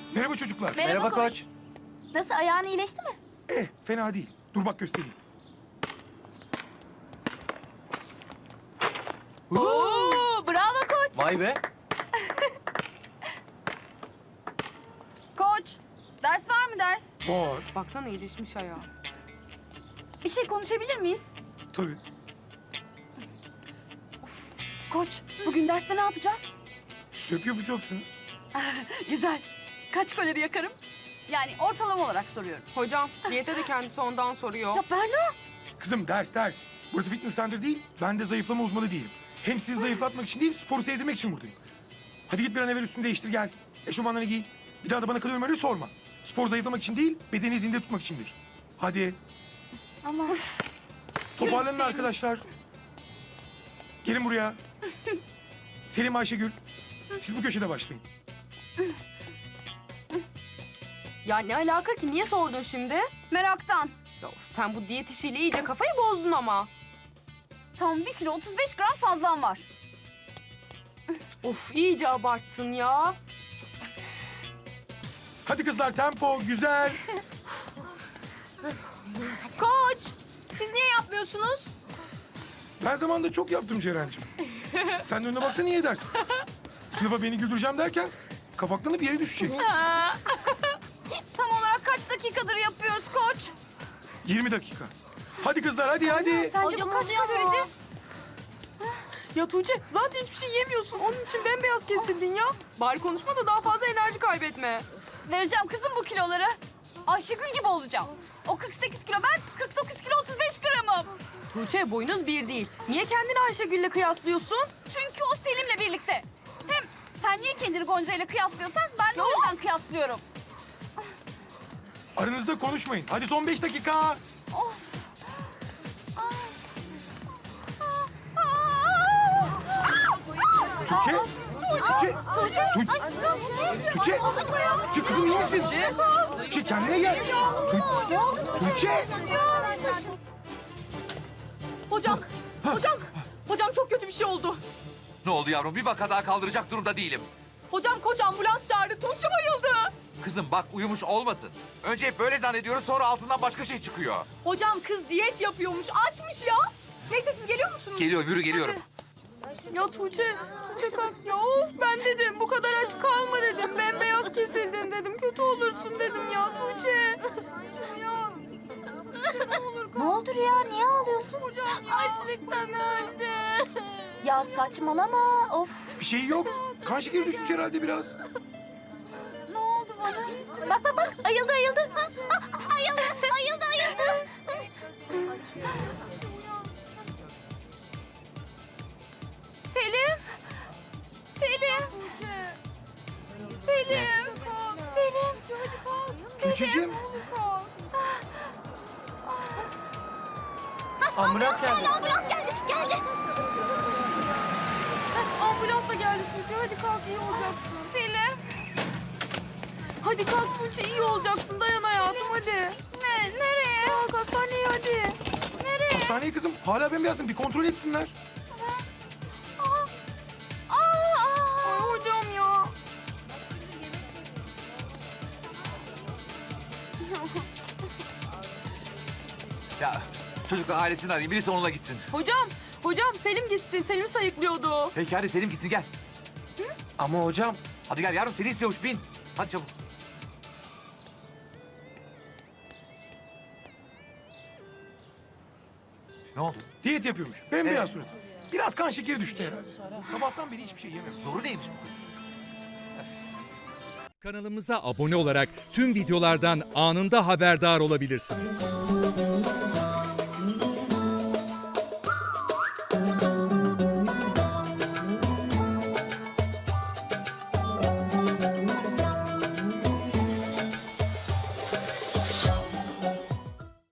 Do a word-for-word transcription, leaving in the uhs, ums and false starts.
Merhaba çocuklar. Merhaba, Merhaba koç. koç. Nasıl, ayağın iyileşti mi? Eh, fena değil. Dur bak göstereyim. Oo, bravo koç. Vay be. Koç, ders var mı ders? Var. Baksana iyileşmiş ayağı. Bir şey konuşabilir miyiz? Tabii. Koç, bugün derste ne yapacağız? Step yapacaksınız. Güzel. Kaç kalori yakarım? Yani ortalama olarak soruyorum. Hocam diyete de kendisi ondan soruyor. Ya Berna. Kızım ders ders. Burası fitness center değil. Ben de zayıflama uzmanı değilim. Hem sizi zayıflatmak için değil, sporu sevdirmek için buradayım. Hadi git bir an evvel üstünü değiştir gel. Eşofmanlarını giy. Bir daha da bana kalıyorum öyle sorma. Spor zayıflamak için değil, bedeni zinde tutmak içindir. Hadi. Ama Toparlanın arkadaşlar. Gelin buraya. Selim, Ayşegül. Siz bu köşede başlayın. Ya ne alaka ki? Niye sordun şimdi? meraktan. Ya of, sen bu diyet işiyle iyice kafayı bozdun ama. Tam bir kilo otuz beş gram fazlam var. Of iyice abarttın ya. Hadi kızlar tempo, güzel. Koç! Siz niye yapmıyorsunuz? Ben zamanında çok yaptım Ceren'cim. Sen de önüne baksana iyi edersin. Sınıfa beni güldüreceğim derken kapaklanıp yere düşeceksin. Tam olarak kaç dakikadır yapıyoruz koç? yirmi dakika. Hadi kızlar hadi hadi. Sence bu kaç kaloridir? Ya Tuğçe zaten hiçbir şey yemiyorsun. Onun için bembeyaz kesildin ya. Bari konuşma da daha fazla enerji kaybetme. Vereceğim kızım bu kiloları. Ayşegül gibi olacağım. O kırk sekiz kilo, ben kırk dokuz kilo otuz beş gramım. Tuğçe boyunuz bir değil. Niye kendini Ayşegül'le kıyaslıyorsun? Çünkü O Selim'le birlikte. Hem sen niye kendini Gonca ile kıyaslıyorsan ben de o yüzden kıyaslıyorum. Aranızda konuşmayın. Hadi son beş dakika. Of. Tuğçe. Tuğçe. Tuğçe. Tuğçe. Tuğçe. Tuğçe kızım iyi misin? Tuğçe kendine gel. Tu- Tuğçe. Hocam, hocam, hocam çok kötü bir şey oldu. Ne oldu yavrum? Bir vaka daha kaldıracak durumda değilim. Hocam koç ambulans çağırdı. Tuğçe bayıldı. Kızım bak uyumuş olmasın. Önce hep böyle zannediyoruz sonra altından başka şey çıkıyor. Hocam kız diyet yapıyormuş. Açmış ya. Neyse siz geliyor musunuz? Geliyorum yürü geliyorum. Ya Tuğçe, Tuğçe kalk. Ya of ben dedim bu kadar aç kalma dedim. Bembeyaz kesildin dedim. Kötü olursun dedim ya Tuğçe. Tuğçe ya. Ne olur kalk. Ne oldu Rüya? Niye ağlıyorsun? Hocam ya. Açlıktan öldü. Ya saçmalama. Of. Bir şey yok. Kan şekeri düşmüş herhalde biraz. Ne oldu bana? Bak bak bak. Ayıldı ayıldı. Ha, ha, ayıldı ayıldı ayıldı. Selim. Selim. Selim. Selim. Tuğçe'cim. Ambulans geldi. Ambulans geldi. Geldi. Ambulansla geldi Tuğçe. Hadi kalk iyi olacaksın. Selim. Hadi kalk Tuğçe iyi olacaksın. Dayan hayatım hadi. Ne, nereye? Kalk hastaneye hadi. Nereye? Hastaneye kızım. Hala bembeyazsın. Bir kontrol etsinler. Aa, aa. Ay hocam ya. Ya çocuklar ailesini arayayım birisi onunla gitsin. Hocam, hocam Selim gitsin. Selim sayıklıyordu. Peki hadi Selim gitsin gel. Ama hocam. Hadi gel yavrum seni istiyormuş bin. Hadi çabuk. Ne oldu? Diyet yapıyormuş. Bembeyaz Evet. suratı. Biraz kan şekeri düştü herhalde. Sabahtan beri hiçbir şey yemiyor. Zoru neymiş bu kızın? Kanalımıza abone olarak tüm videolardan anında haberdar olabilirsiniz.